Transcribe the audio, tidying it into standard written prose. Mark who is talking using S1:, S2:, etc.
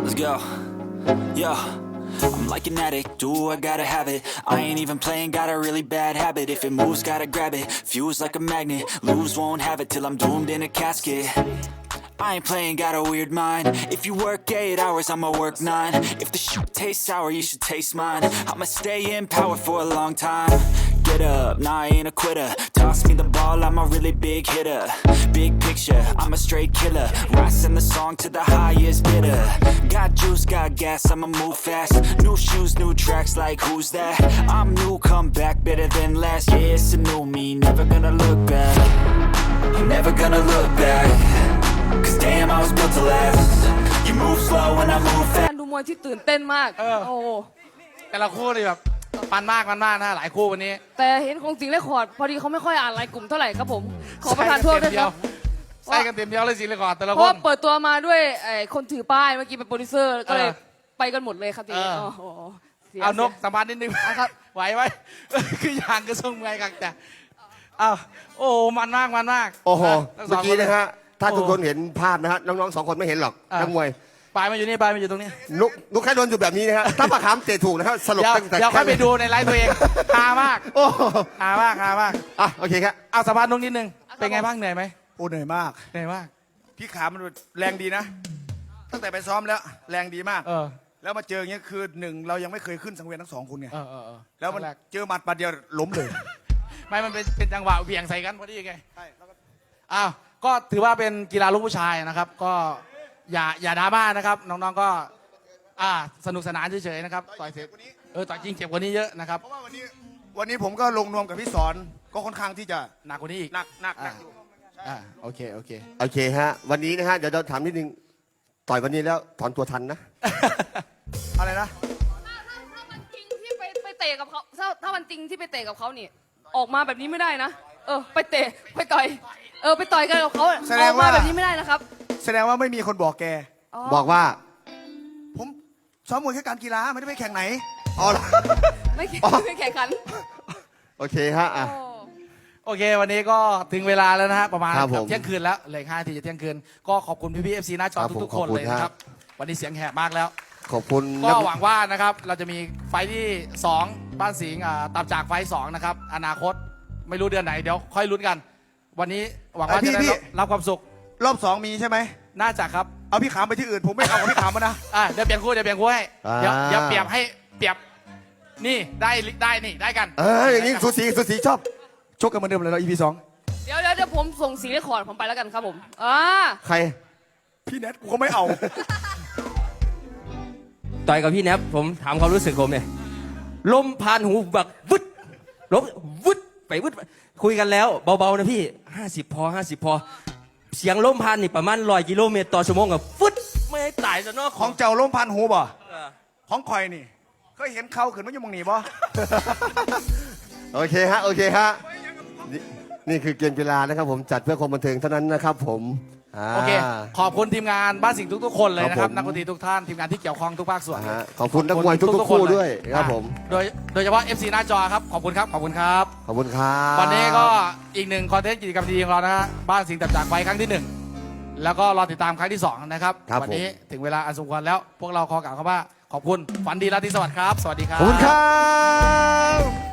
S1: Let's go. Yo, I'm like an addict, do I gotta have it. I ain't even playing, got a really bad habit. If it moves, gotta grab it. Fuse like a magnet, lose, won't have it till I'm doomed in a casket. I ain't playing, got a weird mind. If you work 8 hours, I'ma work 9. If the shoot tastes sour, you should taste mine. I'ma stay in power for a long time. Get up, nah, I ain't a quitter. Toss me the ball, I'm a really big hitter. Big picture, I'm a straight killer. Rising the song to the highest bidder. Got juice, got gas, I'ma move fast. New shoes, new tracks, like who's that? I'm new, come back, better than last. Yeah, it's a new me, never gonna look back. I'm never gonna look back. Cause damn, I was built to last. You move slow and I move fast.
S2: ดูมวยที่ตื่นเต้นมากโอ้
S3: แต่ละคู่นี่แบบมันมากนะหลายคู่วันนี้
S2: แต่เห็นของสิงห์เรคคอร์ดพอดีเขาไม่ค่อยอ่านรายกลุ่มเท่าไหร่ครับผมขอประทานโทษด้วยครับ
S3: ใส่กันเต็มเดียวเลยสิเลยก่อนแต่ละ
S2: เพ
S3: ค
S2: ราะ
S3: น
S2: เปิดตัวมาด้วยคนถือป้ายเมื่อกี้เป็นโปรดิวเซอร์ก็เลยไปกันหมดเลยครับทีนี้โอ้โห
S3: เอานกสัมภาษณ์นิดนึง
S2: ครับ
S3: ไหวไหมคืออย่างกระทรวงไงกันแต่อ้าวโอ้มันมาก
S4: โอ้โห
S3: ทั้งส
S4: เมื่
S3: ง
S4: อกี้นะฮะถ้า
S3: โอ้
S4: ทุกคนเห็นภาพนะฮะน้องๆ2 คนไม่เห็นหรอกนักมวย
S3: ปลายมาอยู่นี่ปลายมาอยู่ตรงนี้
S4: นุกแค่โดนอยู่แบบนี้นะฮะถ้าปากขามเตะถูกนะครับสลบ
S3: เดี๋ยว
S4: ตั้งแต่
S3: เดี๋ยวค่อยไปดูในไลฟ์ตัวเองฮามาก
S4: โอ้โห
S3: ฮามาก
S4: อ่ะโอเคครับ
S3: เอาสัมภาษณ์นกนิดนึงเป็นไงบ้างเหนื่อยไหม
S5: โอ้เหนื่อยมาก
S3: เหนื่อยมาก
S5: พี่ขามันแรงดีนะ ตั้งแต่ไปซ้อมแล้วแรงดีมาก
S3: เออ
S5: แล้วมาเจออย่างเงี้ยคือหนึ่งเรายังไม่เคยขึ้นสังเวียนทั้ง2 คนไง
S3: เออ
S5: แล้วมัน
S3: ครั้งรก
S5: เจอหมัดปัดเดียวล้มเลย
S3: ไม่มันเป็นจังหวะเบี่ยงใส่กันพอดีไงอ้าวก็ถือว่าเป็นกีฬาลูกผู้ชายนะครับ ก็อย่าดราม่านะครับน้องๆก็สนุกสนานเฉยๆนะครับต่อยเสร็จต่อยจริงเจ็บกว่านี้เยอะนะครับ
S5: เพราะว่าวันนี้ผมก็ลงนวมกับพี่สอนก็ค่อนข้างที่จะ
S3: หนักกว่านี้อีก
S5: หนักอยู่
S3: โอเค
S4: โอเคฮะวันนี้นะฮะเดี๋ยวเราถามนิดนึงต่อยวันนี้แล้วถอนตัวทันนะ
S5: อะไรนะ
S2: ถ้ามันจริงที่ไปเตะกับเขาถ้ามันจริงที่ไปเตะกับเขานี่ออกมาแบบนี้ไม่ได้นะไปเตะไปต่อยไปต่อยกันกับเขาออกมาแบบนี้ไม่ได้นะครับ
S5: แสดงว่าไม่มีคนบอกแก
S4: บอกว่า
S5: ผมซ้อมมวยแค่การกีฬาไม่ได้ไปแข่งไหน
S4: อ๋อเหรอ
S2: ไม่แข่งขัน
S4: โอเคฮะอ่ะ
S3: โอเค วันนี้ก็ถึงเวลาแล้วนะฮะประมาณ
S4: ครับผม
S3: เที่ยงคืนแล้วเหลือ5 นาทีจะเที่ยงคืนก็ขอบคุณพี่ๆ FC หน้าจอ
S4: ครับผม
S3: ทุกๆคน
S4: ขอบคุณ
S3: เลยนะครับ
S4: ฮะ
S3: วันนี้เสียงแหบมากแล้ว
S4: ขอบคุณ
S3: ก็
S4: นัก
S3: หวังว่านะครับเราจะมีไฟท์ที่ 2 บ้านสิงห์ตับจากไฟท์2นะครับอนาคตไม่รู้เดือนไหนเดี๋ยวค่อยลุ้นกัน วันนี้หวังว่าจะได้รับความสุข
S5: รอบ 2 มีใช่ไหม
S3: น่าจะครับ
S5: เอาพี่ขามไปที่อื่น ผมไม่เอากับพี่ขามมานะ
S3: เดี๋ยวเปลี่ยนคู่ให้เดี๋ยวเปรียบให้เปรียบนี่ได้นี่ได้กัน
S4: อย่างนี้สูสีชอบ
S5: ชกกันเหมือนเดิมเลยเรา EP 2
S2: เดี๋ยวผมส่งสิงห์เรคคอร์ดผมไปแล้วกันครับผม
S4: ใคร
S5: พี่แนทกูก็ไม่เอา
S6: ต่อยกับพี่แนบผมถามความรู้สึกผมเนี่ยลมผ่านหูแบบวึดลมวึดไปวึดคุยกันแล้วเบาๆนะพี่50 พอเสียงลมผ่านนี่ประมาณ100 กิโลเมตรต่อชั่วโมงกับฟึดไม่ให้ตายซะเนาะ
S5: ของเจ้าล้มพันหูบ่ของคอยนี่เคยเห็นเขาขึ้นมาอยู่มองนี่บ่
S4: โอเคฮะนี่คือเกมกีฬานะครับผมจัดเพื่อความบันเทิงเท่านั้นนะครับผม
S3: โอเคขอบคุณทีมงานบ้านสิงห์ทุกๆคนเลยนะค
S4: ครั
S3: รับบ
S4: ผม
S3: นักดนตรีทุกท่านทีมงานที่เกี่ยวข้องทุกภาคส่วน
S4: ขอบคุณนักมวยทุกๆคู่ด้วยครับผม
S3: โดยเฉพาะ FC หน้าจอครับขอบคุณครับ
S4: ขอบคุณครับ
S3: วันนี้ก็อีกหนึ่งคอนเทนต์กิจกรรมดีของเรานะฮะบ้านสิงห์ตับจากไฟครั้งที่ 1 แล้วก็รอติดตามครั้งที่ 2 นะครับ วันี้ถึงเวลาอันสมควรแล้ว พวกเราขอกล่าวคำว่าขอบคุณฝันดีราตรีสวัสดิ์ครับ สวัสดีครับ
S4: ขอบคุณครับ